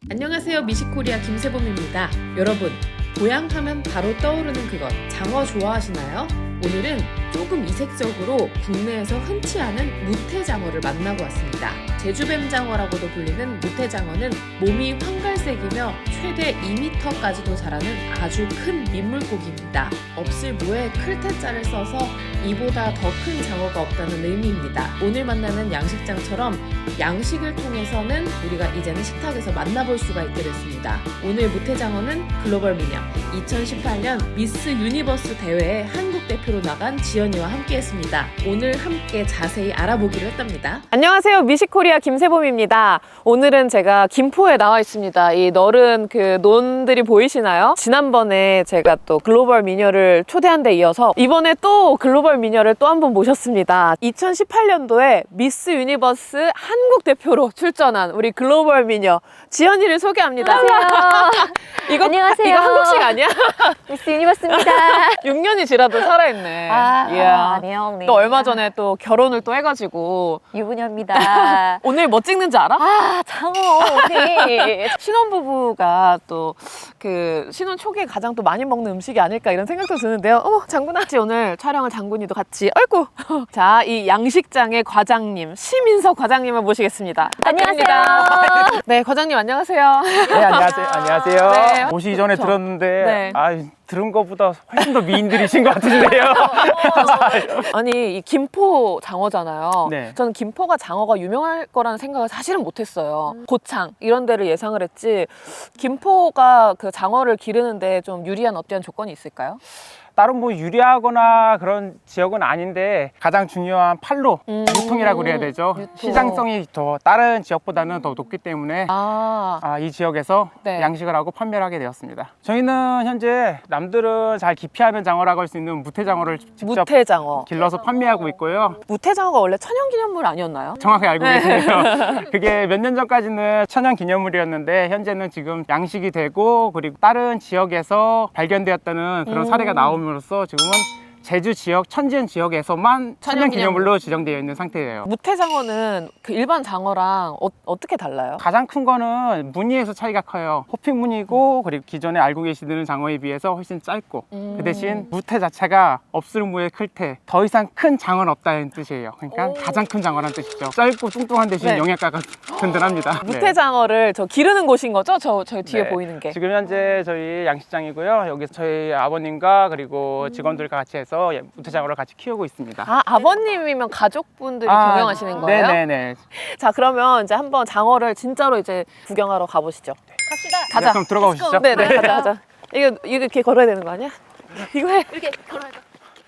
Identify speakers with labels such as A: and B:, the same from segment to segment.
A: 안녕하세요. 미식코리아 김세범입니다. 여러분, 보양 하면 바로 떠오르는 그것, 장어 좋아하시나요? 오늘은 조금 이색적으로 국내에서 흔치 않은 무태장어를 만나고 왔습니다. 제주뱀장어라고도 불리는 무태장어는 몸이 황갈색이며 최대 2m까지도 자라는 아주 큰 민물고기입니다. 없을무에 클테자를 써서 이보다 더 큰 장어가 없다는 의미입니다. 오늘 만나는 양식장처럼 양식을 통해서는 우리가 이제는 식탁에서 만나볼 수가 있게 됐습니다. 오늘 무태장어는 글로벌 미녀 2018년 미스 유니버스 대회에 한국 대표로 나간 지연이와 함께했습니다. 오늘 함께 자세히 알아보기로 했답니다.
B: 안녕하세요. 미식코리아 김세범입니다. 오늘은 제가 김포에 나와 있습니다. 이 너른 그 논들이 보이시나요? 지난번에 제가 또 글로벌 미녀를 초대한 데 이어서 이번에 또 글로벌 미녀를 또 한 번 모셨습니다. 2018년도에 미스 유니버스 한국 대표로 출전한 우리 글로벌 미녀 지연이를 소개합니다.
C: 안녕하세요. 안녕하세요.
B: 이거 한국식 아니야?
C: 미스 유니버스입니다.
B: 6년이 지나도 살아있네. 이야.
C: 아니요.
B: 또 얼마 전에 또 결혼을 또 해가지고
C: 유부녀입니다.
B: 오늘 뭐 찍는지 알아?
C: 장어 우리.
B: 신혼부부가 또 그 신혼 초기에 가장 또 많이 먹는 음식이 아닐까 이런 생각도 드는데요. 장군아, 오늘 촬영을 장군이도 같이. 아이고. 자, 이 양식장의 과장님 심인석 과장님을 모시겠습니다.
C: 안녕하세요.
B: 부탁드립니다. 네, 과장님 안녕하세요.
D: 네, 안녕하세요.
B: 네.
D: 오시기 전에
B: 그렇죠.
D: 들었는데
B: 네.
D: 들은 것보다 훨씬 더 미인들이신 것 같으신데요.
B: 아니, 이 김포 장어잖아요.
D: 네.
B: 저는 김포가 장어가 유명할 거라는 생각을 사실은 못했어요. 고창 이런 데를 예상을 했지. 김포가 그 장어를 기르는데 좀 유리한 어떠한 조건이 있을까요?
D: 다른 뭐 유리하거나 그런 지역은 아닌데 가장 중요한 판로 유통이라고 그래야 되죠.
B: 유통.
D: 시장성이 더 다른 지역보다는 더 높기 때문에 이 지역에서
B: 네.
D: 양식을 하고 판매를 하게 되었습니다. 저희는 현재 남들은 잘 기피하는 장어라고 할 수 있는 무태장어를 직접
B: 무태장어.
D: 길러서 판매하고 있고요.
B: 무태장어가 원래 천연기념물 아니었나요?
D: 정확히 알고 계시네요. 그게 몇 년 전까지는 천연기념물이었는데 현재는 지금 양식이 되고 그리고 다른 지역에서 발견되었다는 그런 사례가 나옴으로써 지금은 제주 지역, 천지연 지역에서만 천연기념물로 지정되어 있는 상태예요.
B: 무태장어는 그 일반 장어랑 어떻게 달라요?
D: 가장 큰 거는 무늬에서 차이가 커요. 호핑 무늬고 그리고 기존에 알고 계시는 장어에 비해서 훨씬 짧고 그 대신 무태 자체가 없을무에 클테, 더 이상 큰 장어는 없다는 뜻이에요. 그러니까 가장 큰 장어라는 뜻이죠. 짧고 뚱뚱한 대신
B: 네.
D: 영양가가 든든합니다.
B: 무태장어를 저 기르는 곳인 거죠? 저희 뒤에
D: 네.
B: 보이는 게.
D: 지금 현재 저희 양식장이고요. 여기서 저희 아버님과 그리고 직원들과 같이 해서 무태장어를 같이 키우고 있습니다.
B: 아버님이면 가족분들이 경영하시는 거예요?
D: 네네네.
B: 자, 그러면 이제 한번 장어를 진짜로 이제 구경하러 가보시죠.
C: 갑시다.
B: 가자.
D: 그럼 들어가 보시죠.
B: 네네, 가자. 이거 이렇게 걸어야 되는 거 아니야? 이거 해.
C: 이렇게 걸어야 돼.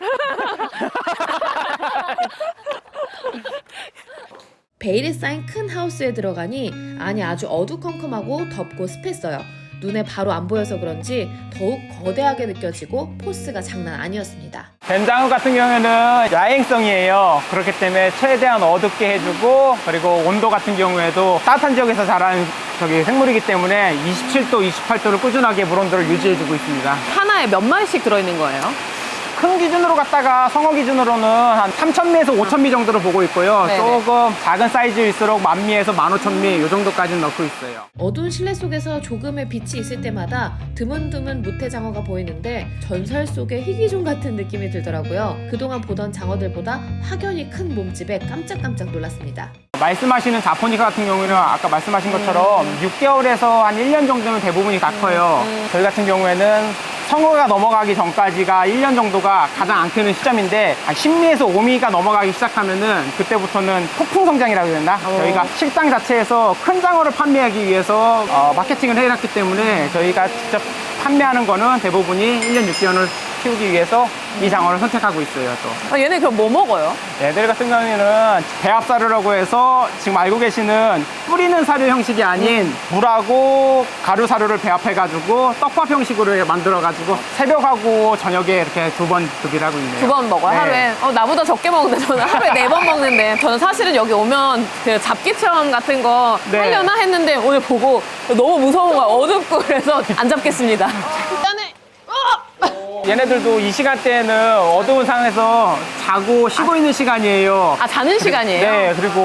A: 베일에 쌓인 큰 하우스에 들어가니 안이 아주 어두컴컴하고 덥고 습했어요. 눈에 바로 안 보여서 그런지 더욱 거대하게 느껴지고 포스가 장난 아니었습니다.
D: 뱀장어 같은 경우에는 야행성이에요. 그렇기 때문에 최대한 어둡게 해주고 그리고 온도 같은 경우에도 따뜻한 지역에서 자라는 생물이기 때문에 27도, 28도를 꾸준하게 물 온도를 유지해주고 있습니다.
B: 하나에 몇 마리씩 들어있는 거예요?
D: 큰 기준으로 갖다가 성어 기준으로는 한 3,000미에서 5,000미 정도를 보고 있고요.
B: 네네.
D: 조금 작은 사이즈일수록 10,000미에서 15,000미 이 정도까지는 넣고 있어요.
A: 어두운 실내 속에서 조금의 빛이 있을 때마다 드문드문 무태장어가 보이는데 전설 속의 희귀종 같은 느낌이 들더라고요. 그동안 보던 장어들보다 확연히 큰 몸집에 깜짝깜짝 놀랐습니다.
D: 말씀하시는 자포니카 같은 경우에는 아까 말씀하신 것처럼 6개월에서 한 1년 정도면 대부분이 다 커요. 저희 같은 경우에는 성어가 넘어가기 전까지가 1년 정도가 가장 안 크는 시점인데 한 10미에서 5미가 넘어가기 시작하면은 그때부터는 폭풍 성장이라고 해야 되나? 저희가 식당 자체에서 큰 장어를 판매하기 위해서 마케팅을 해놨기 때문에 저희가 직접 판매하는 거는 대부분이 1년 6개월을 키우기 위해서 이 장어를 선택하고 있어요. 또
B: 얘네 그럼 뭐 먹어요?
D: 얘들 같은 경우에는 배합사료라고 해서 지금 알고 계시는 뿌리는 사료 형식이 아닌 물하고 가루 사료를 배합해가지고 떡밥 형식으로 만들어가지고 새벽하고 저녁에 이렇게 2번 급여를 하고 있네요.
B: 2번 먹어요?
D: 네.
B: 하루에? 나보다 적게 먹는데 저는 하루에 4번 먹는데 저는 사실은 여기 오면 그 잡기 체험 같은 거
D: 네.
B: 하려나 했는데 오늘 보고 너무 무서운 거야. 어둡고 그래서 안 잡겠습니다. 일단은
D: 얘네들도 이 시간대에는 어두운 상황에서 자고 쉬고 있는 시간이에요.
B: 자는 시간이에요?
D: 네, 그리고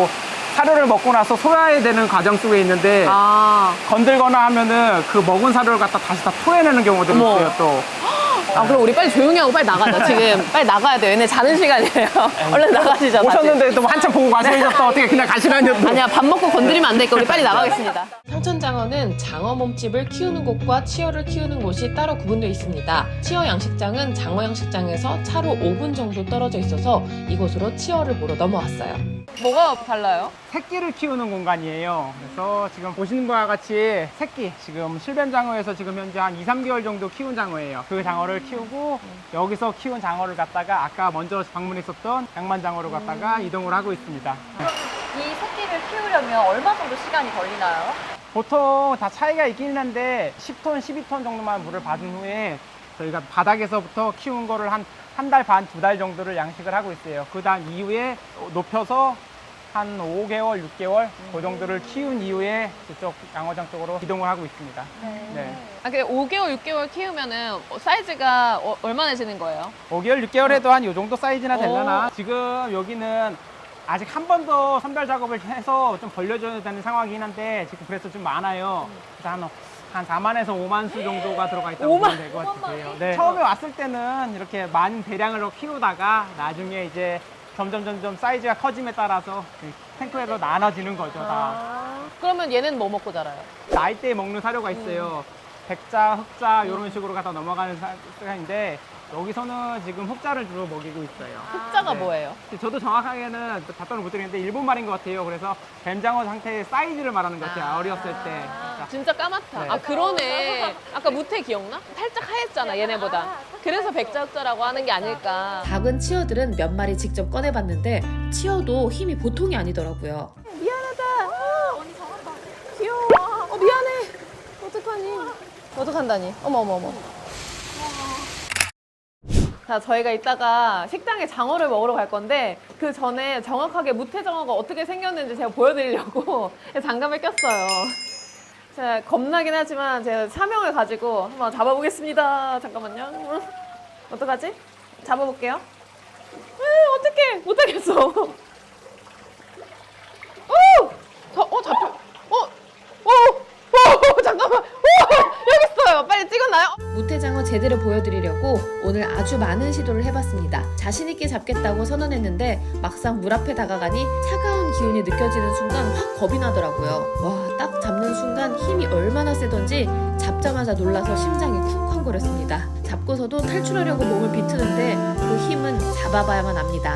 D: 사료를 먹고 나서 소화해야 되는 과정 속에 있는데
B: 아,
D: 건들거나 하면은 그 먹은 사료를 갖다 다시 다 토해내는 경우도
B: 어머.
D: 있어요 또.
B: 아, 그럼 우리 빨리 조용히 하고 빨리 나가자. 지금 빨리 나가야 돼. 얘네 자는 시간이에요. 얼른 나가시죠. 다시.
D: 오셨는데 또 한참 보고 가시면서 어떻게 그냥 가시라뇨 또.
B: 아니야, 밥 먹고 건드리면 안 되니까 우리 빨리 나가겠습니다.
A: 상천장어는 장어 몸집을 키우는 곳과 치어를 키우는 곳이 따로 구분되어 있습니다. 치어 양식장은 장어 양식장에서 차로 5분 정도 떨어져 있어서 이곳으로 치어를 보러 넘어왔어요.
B: 뭐가 달라요?
D: 새끼를 키우는 공간이에요. 그래서 지금 보시는 거와 같이 새끼, 지금 실뱀장어에서 지금 현재 한 2, 3개월 정도 키운 장어예요. 그 장어를 키우고 여기서 키운 장어를 갖다가 아까 먼저 방문했었던 양만장어로 갖다가 이동을 하고 있습니다.
C: 이 새끼를 키우려면 얼마 정도 시간이 걸리나요?
D: 보통 다 차이가 있기는 한데 10톤, 12톤 정도만 물을 받은 후에 저희가 바닥에서부터 키운 거를 한 달 반, 2달 정도를 양식을 하고 있어요. 그 다음 이후에 높여서 한 5개월, 6개월 그 정도를 키운 이후에 저쪽 양어장 쪽으로 이동을 하고 있습니다. 네.
B: 아, 근데 5개월, 6개월 키우면은 사이즈가 얼마나 지는 거예요?
D: 5개월, 6개월 해도 한 이 정도 사이즈나 되려나? 지금 여기는 아직 한 번 더 선별 작업을 해서 좀 벌려줘야 되는 상황이긴 한데 지금 그래서 좀 많아요. 그래서 한 4만에서 5만 수 정도가 들어가 있다고 보면 될 것 같아요. 네. 처음에 왔을 때는 이렇게 많은 대량으로 키우다가 나중에 이제 점점 사이즈가 커짐에 따라서 탱크에서 나눠지는 거죠, 다.
B: 그러면 얘는 뭐 먹고 자라요?
D: 나이대에 먹는 사료가 있어요. 백자, 흑자 이런 식으로 갖다 넘어가는 시간인데 여기서는 지금 흑자를 주로 먹이고 있어요.
B: 흑자가
D: 네.
B: 뭐예요?
D: 저도 정확하게는 답변을 못 드리는데 일본 말인 것 같아요. 그래서 뱀장어 상태의 사이즈를 말하는 것 같아요. 어렸을 때. 그러니까
B: 진짜 까맣다.
D: 네.
B: 아, 그러네. 아까 무태 기억나? 살짝 하였잖아, 얘네보다. 그래서 백자흑자라고 하는 게 아닐까.
A: 작은 치어들은 몇 마리 직접 꺼내봤는데 치어도 힘이 보통이 아니더라고요.
B: 미안하다. 귀여워. 미안해. 어떡하니? 어떡한다니? 어머. 자, 저희가 이따가 식당에 장어를 먹으러 갈 건데 그 전에 정확하게 무태장어가 어떻게 생겼는지 제가 보여드리려고 장갑을 꼈어요. 제가 겁나긴 하지만 제가 사명을 가지고 한번 잡아보겠습니다. 잠깐만요. 어떡하지? 잡아볼게요. 어떡해. 못하겠어. 잡혀. 잠깐만. 여기 있어요. 빨리 찍었나요?
A: 무태장어 제대로 보여드리려고 오늘 아주 많은 시도를 해봤습니다. 자신있게 잡겠다고 선언했는데 막상 물 앞에 다가가니 차가운 기운이 느껴지는 순간 확 겁이 나더라고요. 와, 딱 잡는 순간 힘이 얼마나 세던지 잡자마자 놀라서 심장이 쿵쾅거렸습니다. 잡고서도 탈출하려고 몸을 비트는데 그 힘은 잡아봐야만 압니다.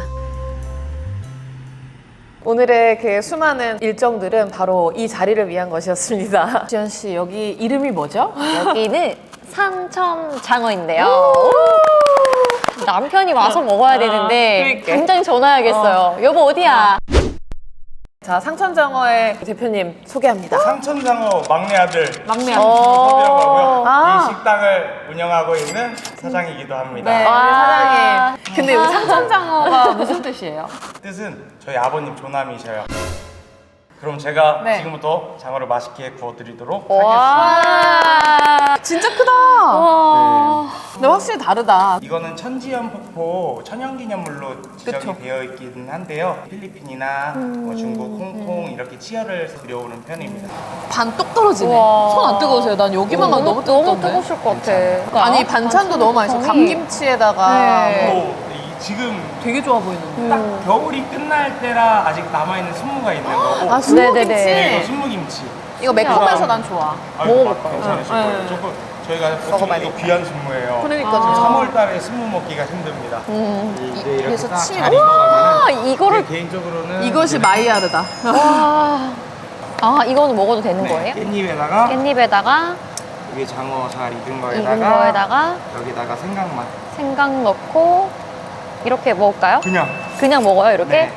B: 오늘의 그 수많은 일정들은 바로 이 자리를 위한 것이었습니다. 지연 씨, 여기 이름이 뭐죠?
C: 여기는 상천장어인데요. 남편이 와서 먹어야 되는데
B: 그러니까.
C: 당장 전화해야겠어요. 여보 어디야?
B: 자, 상천장어의 대표님 소개합니다.
E: 상천장어 막내 아들
B: 막내
E: 서비라고 하고요.
B: 아.
E: 이 식당을 운영하고 있는 사장이기도 합니다.
B: 네, 우리 사장님. 근데 여기 상천장어가 무슨 뜻이에요?
E: 뜻은 저희 아버님 조남이셔요. 그럼 제가
B: 네.
E: 지금부터 장어를 맛있게 구워드리도록 하겠습니다.
C: 와.
B: 진짜 크다.
C: 와.
B: 근데 확실히 다르다.
E: 이거는 천지연 폭포 천연기념물로 지정이
B: 그쵸.
E: 되어 있긴 한데요. 필리핀이나 뭐 중국, 홍콩 이렇게 치어를 들여오는 편입니다.
B: 반 똑 떨어지네.
C: 우와.
B: 손 안 뜨거우세요? 난 여기만 가도 너무
C: 너무
B: 뜨겁던데.
C: 뜨거우실 것 같아.
B: 아니, 반찬도 너무 맛있어. 감김치에다가
C: 네.
E: 또 지금
B: 되게 좋아 보이는데.
E: 딱 겨울이 끝날 때라 아직 남아있는 순무가 있는 거고
B: 아, 순무김치.
C: 네네네.
E: 이거 순무김치.
B: 이거 매콤해서 난 좋아.
C: 먹어볼까요?
E: 괜찮으실
B: 네.
E: 거예요. 조금 저희가 보통
B: 먹어봐야
E: 이거
B: 되겠다.
E: 귀한 순무예요.
B: 그러니까.
E: 3월 달에 순무 먹기가 힘듭니다. 이제 이렇게
B: 그래서
E: 딱
B: 침이
E: 잘
B: 너무-
E: 익어가면
C: 아, 이거를
E: 개인적으로는
B: 이것이 마이야르다.
C: 와. 아, 이거는 먹어도 되는
E: 네,
C: 거예요?
E: 깻잎에다가
C: 깻잎에다가
E: 이게 장어 잘 익은
C: 익은
E: 거에다가
C: 거에다가
E: 여기다가 생강맛
C: 생강 넣고 이렇게 먹을까요?
E: 그냥
C: 먹어요, 이렇게?
E: 네.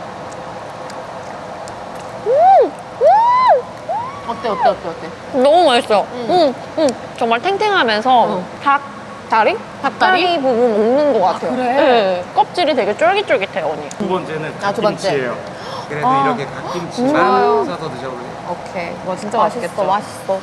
B: 어때?
C: 너무 맛있어요. 정말 탱탱하면서 닭다리? 닭다리 부분 먹는 것 같아요.
B: 그래?
C: 네. 껍질이 되게 쫄깃쫄깃해요, 언니.
E: 두 번째는
B: 두 번째.
E: 갓김치예요. 그래도
C: 아.
E: 이렇게 갓김치만
B: 좋아요.
E: 싸서 드셔보세요.
B: 오케이. 이거 진짜 맛있겠죠?
C: 맛있어.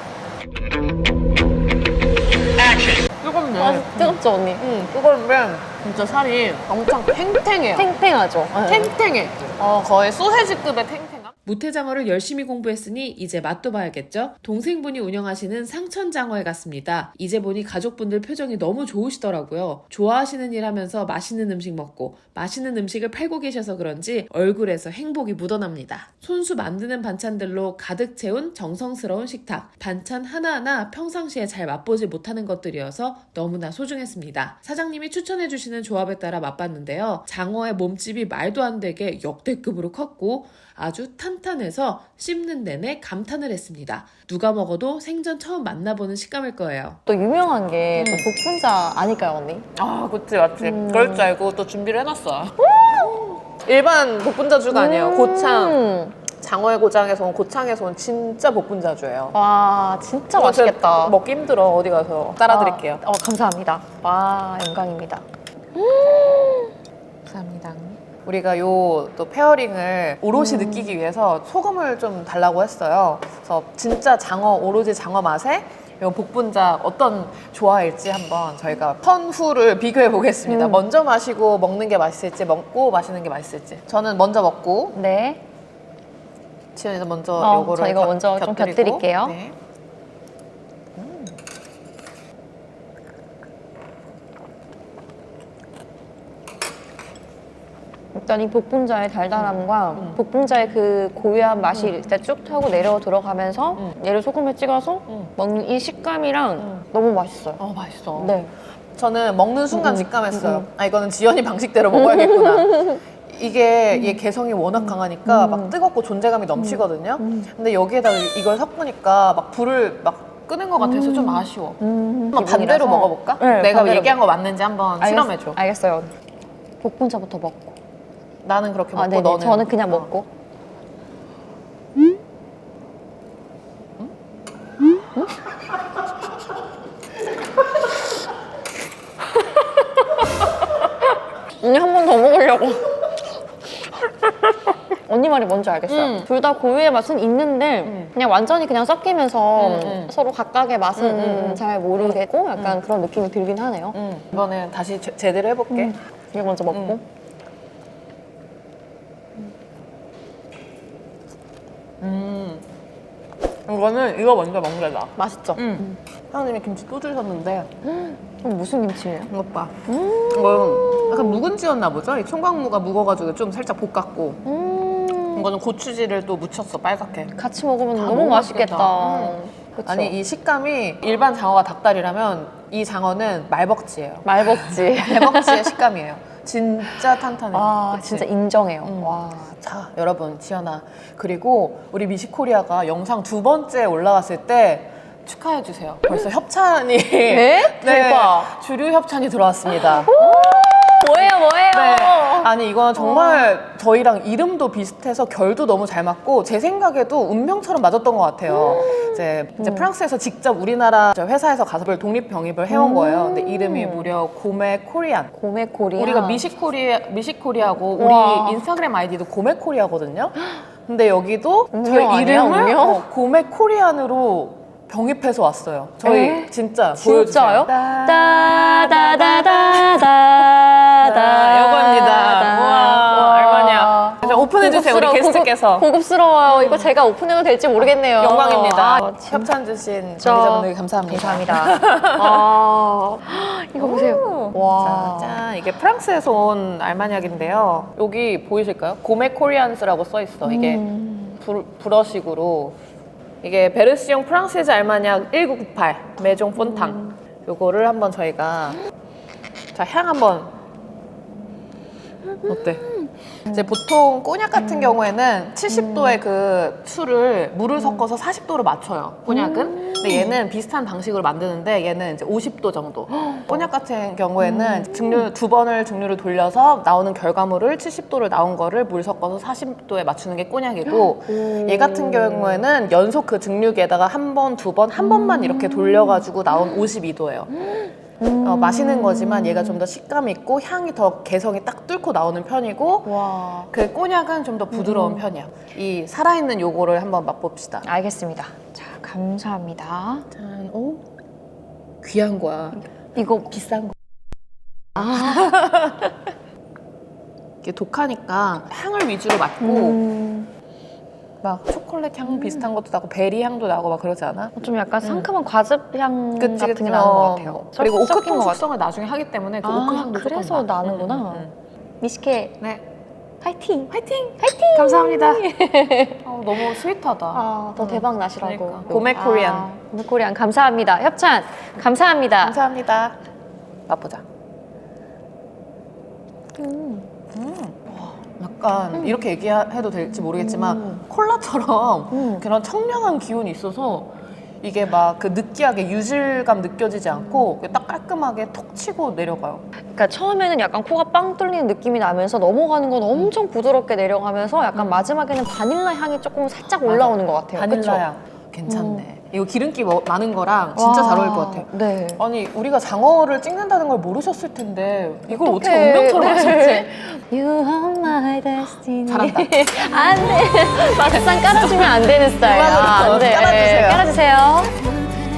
B: 뜨겁네.
C: 뜨겁죠, 언니?
B: 뜨거운데 진짜 살이 엄청 탱탱해요.
C: 탱탱하죠. 네.
B: 탱탱해. 거의 소세지급의 탱탱함?
A: 무태장어를 열심히 공부했으니 이제 맛도 봐야겠죠? 동생분이 운영하시는 상천장어에 갔습니다. 이제 보니 가족분들 표정이 너무 좋으시더라고요. 좋아하시는 일 하면서 맛있는 음식 먹고 맛있는 음식을 팔고 계셔서 그런지 얼굴에서 행복이 묻어납니다. 손수 만드는 반찬들로 가득 채운 정성스러운 식탁. 반찬 하나하나 평상시에 잘 맛보지 못하는 것들이어서 너무나 소중했습니다. 사장님이 추천해주시는 조합에 따라 맛봤는데요. 장어의 몸집이 말도 안 되게 역대급으로 컸고 아주 탄탄해서 씹는 내내 감탄을 했습니다. 누가 먹어도 생전 처음 만나보는 식감일 거예요.
C: 또 유명한 게 또 복분자 아닐까요, 언니?
B: 아, 그치, 맞지. 그럴 줄 알고 또 준비를 해놨어요. 일반 복분자주가 아니에요. 고창. 장어의 고장에서 온 고창에서 온 진짜 복분자주예요.
C: 와, 진짜
B: 이거
C: 맛있겠다.
B: 제가 먹기 힘들어. 어디 가서 따라드릴게요.
C: 감사합니다. 와, 영광입니다.
B: 감사합니다. 우리가 요 또 페어링을 오롯이 느끼기 위해서 소금을 좀 달라고 했어요. 그래서 진짜 장어, 오로지 장어 맛에 요 복분자 어떤 조화일지 한번 저희가 턴후를 비교해 보겠습니다. 먼저 마시고 먹는 게 맛있을지, 먹고 마시는 게 맛있을지. 저는 먼저 먹고,
C: 네.
B: 지연이도 먼저 요거를
C: 저 이거 먼저 좀 곁들일게요.
B: 네.
C: 일단 이 복분자의 달달함과 복분자의 그 고유한 맛이 일단 쭉 타고 내려 들어가면서 얘를 소금에 찍어서 먹는 이 식감이랑 너무 맛있어요.
B: 맛있어.
C: 네.
B: 저는 먹는 순간 직감했어요. 아, 이거는 지연이 방식대로 먹어야겠구나. 이게 얘 개성이 워낙 강하니까 막 뜨겁고 존재감이 넘치거든요. 근데 여기에다가 이걸 섞으니까 막 불을 막 끄는 것 같아서 좀 아쉬워. 한번 반대로 먹어볼까?
C: 네,
B: 내가
C: 반대로
B: 얘기한 거 맞는지 한번 실험해줘.
C: 알겠어요. 복분자부터 먹고.
B: 나는 그렇게 먹고
C: 네네.
B: 너는?
C: 저는 그냥 먹고. 언니 한 번 더 먹으려고. 언니 말이 뭔지 알겠어요. 둘 다 고유의 맛은 있는데 그냥 완전히 그냥 섞이면서 서로 각각의 맛은 잘 모르겠고 약간 그런 느낌이 들긴 하네요.
B: 이번엔 다시 제대로 해볼게.
C: 이거 먼저 먹고.
B: 이거는 이거 먼저 먹는 게 나아.
C: 맛있죠?
B: 사장님이 김치 또 주셨는데
C: 무슨 김치예요?
B: 이것 봐. 이거 약간 묵은지였나 보죠? 이 총각무가 묵어가지고 좀 살짝 볶았고 이거는 고추지를 또 묻혔어, 빨갛게.
C: 같이 먹으면
B: 다
C: 너무
B: 너무
C: 맛있겠다.
B: 맛있겠다.
C: 그쵸?
B: 아니 이 식감이 일반 장어가 닭다리라면 이 장어는 말벅지예요.
C: 말먹지.
B: 말벅지의 식감이에요. 진짜 탄탄해요.
C: 아,
B: 그치?
C: 진짜 인정해요. 와.
B: 자, 여러분, 지연아. 그리고 우리 미식코리아가 영상 2번째 올라갔을 때 축하해주세요. 벌써 협찬이.
C: 네? 대박.
B: 주류 협찬이 들어왔습니다.
C: 뭐예요?
B: 네. 아니, 이건 정말 저희랑 이름도 비슷해서 결도 너무 잘 맞고 제 생각에도 운명처럼 맞았던 것 같아요. 이제 프랑스에서 직접 우리나라 회사에서 가섭을 독립 병입을 해온 거예요. 근데 이름이 무려 고메 코리안.
C: 고메 코리아.
B: 우리가 미식코리아고
C: 우와.
B: 우리 인스타그램 아이디도 고메 코리아거든요. 근데 여기도
C: 운명
B: 저희
C: 아니야,
B: 이름을
C: 운명?
B: 고메 코리안으로 병입해서 왔어요. 저희
C: 에?
B: 진짜
C: 진짜요?
B: 보여주세요.
C: 따다다다다다.
B: 요겁니다. 우와, 얼마냐. 자, 오픈해주세요, 우리 게스트께서.
C: 고급스러워요. 이거 제가 오픈해도 될지 모르겠네요.
B: 영광입니다.
C: 아,
B: 협찬 주신 관계자분들 감사합니다.
C: 감사합니다. 아, 이거 보세요. 와.
B: 짠, 이게 프랑스에서 온 알마니악인데요. 여기 보이실까요? 고메 코리안스라고 써 있어. 이게 브러식으로. 이게 베르시용 프랑스이즈 알마니악 1998 메종 폰탕. 요거를 한번 저희가 자, 향 한번 어때? 이제 보통 꼬냑 같은 경우에는 70도의 그 술을 물을 섞어서 40도로 맞춰요. 꼬냑은. 근데 얘는 비슷한 방식으로 만드는데 얘는 이제 50도 정도. 꼬냑 같은 경우에는 증류 두 번을 증류를 돌려서 나오는 결과물을 70도를 나온 거를 물 섞어서 40도에 맞추는 게 꼬냑이고 얘 같은 경우에는 연속 그 증류기에다가 한 번, 두 번, 한 번만 이렇게 돌려가지고 나온 52도예요. 마시는 거지만 얘가 좀 더 식감 있고 향이 더 개성이 딱 뚫고 나오는 편이고
C: 와.
B: 그 꼬냑은 좀 더 부드러운 편이야. 이 살아있는 요거를 한번 맛봅시다.
C: 알겠습니다. 자, 감사합니다.
B: 짠, 오, 귀한 거야.
C: 이거 비싼 거. 아,
B: 이게 독하니까 향을 위주로 맡고 막 초콜릿 향 비슷한 것도 나고 베리 향도 나고 막 그러지 않아?
C: 좀 약간 상큼한 과즙 향
B: 그치,
C: 같은
B: 그치.
C: 게 나는 것 같아요.
B: 그리고
C: 섞인
B: 오크통
C: 것 같아요.
B: 숙성을 나중에 하기 때문에 그 오크 향도
C: 그래서
B: 조금 나.
C: 나는구나. 미식회
B: 네.
C: 파이팅!
B: 화이팅! 감사합니다. 너무 스윗하다.
C: 더 대박 나시라고.
B: 그러니까. 고메 코리안.
C: 고메 코리안 감사합니다. 협찬 감사합니다.
B: 감사합니다. 맛보자. 약간 이렇게 얘기해도 될지 모르겠지만 콜라처럼 그런 청량한 기운이 있어서 이게 막 그 느끼하게 유질감 느껴지지 않고 딱 깔끔하게 톡 치고 내려가요.
C: 그러니까 처음에는 약간 코가 빵 뚫리는 느낌이 나면서 넘어가는 건 엄청 부드럽게 내려가면서 약간 마지막에는 바닐라 향이 조금 살짝 올라오는 것 같아요.
B: 바닐라 향. 괜찮네. 이거 기름기 많은 거랑 진짜 잘 어울릴 것 같아요.
C: 네.
B: 아니 우리가 장어를 찍는다는 걸 모르셨을 텐데 이걸 어떻게
C: 어떡해.
B: 운명처럼
C: 네.
B: 하셨지?
C: You are my destiny.
B: 잘한다.
C: 안 돼. 막상 깔아주면 안 되는 스타일.
B: 그만으로
C: 안 돼.
B: 깔아주세요.
C: 깔아주세요.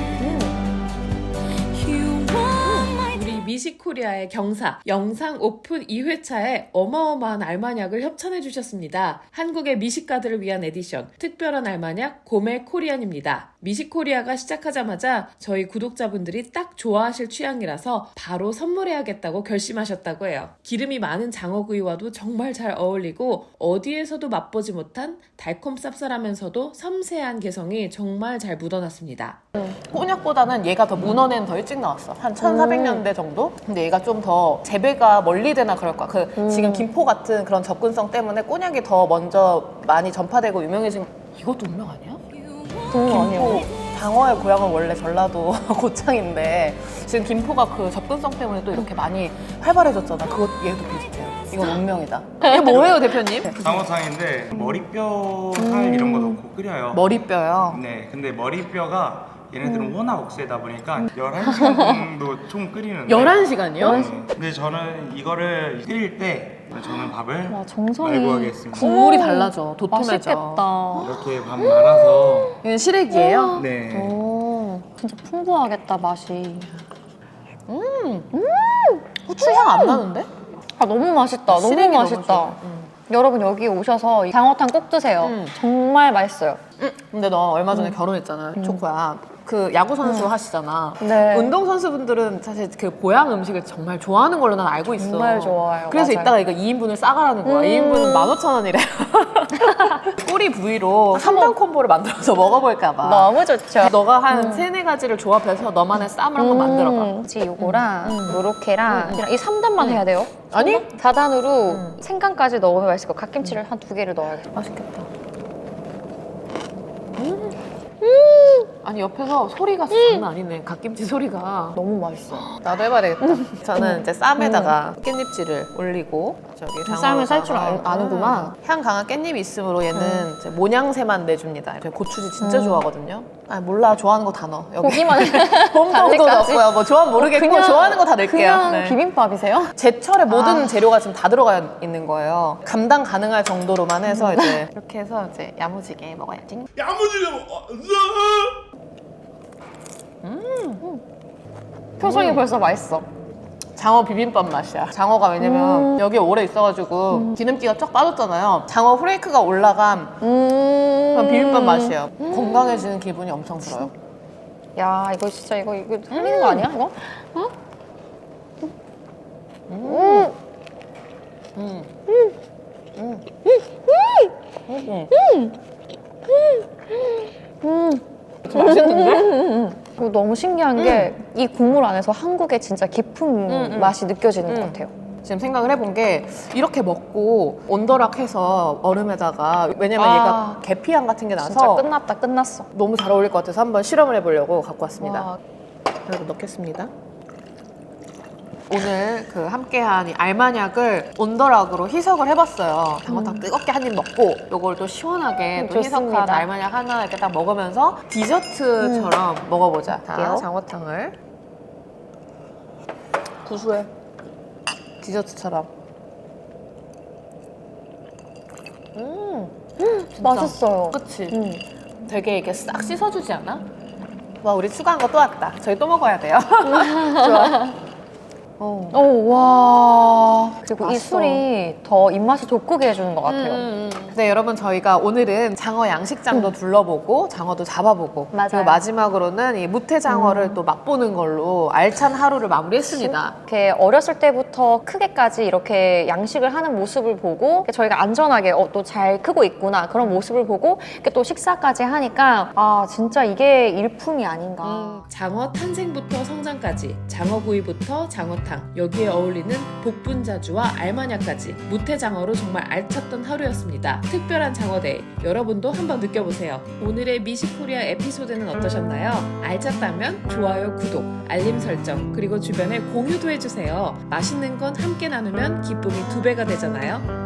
A: 우리 미식코리아의 경사 영상 오픈 2회차에 어마어마한 알마약을 협찬해 주셨습니다. 한국의 미식가들을 위한 에디션 특별한 알마약 고메 코리안입니다. 미식코리아가 시작하자마자 저희 구독자분들이 딱 좋아하실 취향이라서 바로 선물해야겠다고 결심하셨다고 해요. 기름이 많은 장어구이와도 정말 잘 어울리고 어디에서도 맛보지 못한 달콤 쌉쌀하면서도 섬세한 개성이 정말 잘 묻어났습니다.
B: 꼬냑보다는 얘가 더 문어는 더 일찍 나왔어. 한 1400년대 정도? 근데 얘가 좀 더 재배가 멀리 되나 그럴 거야. 지금 김포 같은 그런 접근성 때문에 꼬냑이 더 먼저 많이 전파되고 유명해진. 이것도 운명 아니야? 김포 장어의 고향은 원래 전라도 고창인데 지금 김포가 그 접근성 때문에 또 이렇게 많이 활발해졌잖아. 그것 얘도 비슷해요. 이건 운명이다. 이게 뭐예요, 대표님?
E: 장어탕인데 머리뼈 살 이런 거 넣고 끓여요.
B: 머리뼈요.
E: 네, 근데 머리뼈가 얘네들은 워낙 억세다 보니까 11시간 정도 총 끓이는데
B: 11시간이요?
E: 네. 근데 저는 이거를 끓일 때 저는 밥을
C: 와, 정성이.
E: 말고 하겠습니다.
B: 국물이 달라져. 도톰해져.
C: 맛있겠다.
E: 이렇게 밥 말아서
B: 이건 시래기예요?
E: 네.
C: 오, 진짜 풍부하겠다 맛이.
B: 후추향 안 나는데?
C: 아 너무 맛있다. 너무
B: 시래기 너무
C: 맛있다.
B: 좋아.
C: 여러분 여기 오셔서 이 장어탕 꼭 드세요. 정말 맛있어요.
B: 근데 너 얼마 전에 결혼했잖아, 초코야. 그 야구 선수 하시잖아.
C: 네.
B: 운동 선수분들은 사실 그 보양 음식을 정말 좋아하는 걸로 난 알고 있어.
C: 정말 좋아요.
B: 그래서
C: 맞아요.
B: 이따가 이거 2인분을 싸가라는 거야. 2인분은 15,000원이래. 꼬리 부위로 3단 콤보를 만들어서 먹어볼까 봐.
C: 너무 좋죠.
B: 너가 한 3-4가지를 조합해서 너만의 쌈을 한번 만들어봐.
C: 혹시 요거랑 요렇게랑 이 3단만 해야 돼요?
B: 아니?
C: 4단으로 생강까지 넣으면 맛있을 것 같아요. 갓김치를 한 2개를 넣어야겠다.
B: 맛있겠다. 아니 옆에서 소리가 장난 아니네. 갓김치 소리가.
C: 너무 맛있어.
B: 나도 해봐야 되겠다. 저는 이제 쌈에다가 깻잎질을 올리고 저기
C: 쌈을 쌀 줄
B: 장어에다가
C: 아는구나.
B: 향 강한 깻잎이 있으므로 얘는 이제 모양새만 내줍니다. 제가 고추지 진짜 좋아하거든요. 아 몰라 좋아하는 거 다 넣어. 여기
C: 고기만
B: 봄동도
C: 단지까지?
B: 넣고요. 뭐 좋아하면 모르겠고
C: 그냥-
B: 좋아하는 거 다 넣을게요.
C: 그냥
B: 네.
C: 비빔밥이세요?
B: 제철에 모든 재료가 지금 다 들어가 있는 거예요. 감당 가능할 정도로만 해서 이제 이렇게 해서 이제 야무지게 먹어야지.
C: 표정이 벌써 맛있어.
B: 장어 비빔밥 맛이야. 장어가 왜냐면 여기 오래 있어가지고 기름기가 쫙 빠졌잖아요. 장어 후레이크가 올라간 그런 비빔밥 맛이에요. 건강해지는 기분이 엄청 들어요.
C: 야 이거 진짜 이거 흘리는 거 아니야 이거?
B: 맛있는데?
C: 이거 너무 신기한 게 이 국물 안에서 한국의 진짜 깊은 맛이 느껴지는 것 같아요.
B: 지금 생각을 해본 게 이렇게 먹고 온더락해서 얼음에다가 왜냐면
C: 아.
B: 얘가 계피향 같은 게
C: 진짜
B: 나서
C: 끝났다 끝났어.
B: 너무 잘 어울릴 것 같아서 한번 실험을 해보려고 갖고 왔습니다.
C: 와.
B: 그리고 넣겠습니다. 오늘 그 함께한 이 알마약을 온더락으로 희석을 해봤어요. 장어탕 뜨겁게 한 입 먹고 요걸 또 시원하게 또 희석한
C: 좋습니다.
B: 알마약 하나 이렇게 딱 먹으면서 디저트처럼 먹어보자. 자,
C: 할게요.
B: 장어탕을 구수해. 디저트처럼. 진짜.
C: 맛있어요.
B: 그치? 되게 이렇게 싹 씻어주지 않아? 와, 우리 추가한 거 또 왔다. 저희 또 먹어야 돼요. 좋아.
C: 와. 그리고 이
B: 맛있어.
C: 술이 더 입맛을 돋구게 해주는 것 같아요.
B: 네, 여러분 저희가 오늘은 장어 양식장도 둘러보고 장어도 잡아보고
C: 맞아요.
B: 그리고 마지막으로는 이 무태장어를 또 맛보는 걸로 알찬 하루를 마무리했습니다.
C: 이렇게 어렸을 때부터 크게까지 이렇게 양식을 하는 모습을 보고 저희가 안전하게 또 잘 크고 있구나 그런 모습을 보고 이렇게 또 식사까지 하니까 아 진짜 이게 일품이 아닌가.
A: 장어 탄생부터 성장까지, 장어구이부터 장어탕, 여기에 어울리는 복분자주와 알마냐까지 무태장어로 정말 알찼던 하루였습니다. 특별한 장어데이, 여러분도 한번 느껴보세요. 오늘의 미식코리아 에피소드는 어떠셨나요? 알찼다면 좋아요, 구독, 알림 설정, 그리고 주변에 공유도 해주세요. 맛있는 건 함께 나누면 기쁨이 2배가 되잖아요.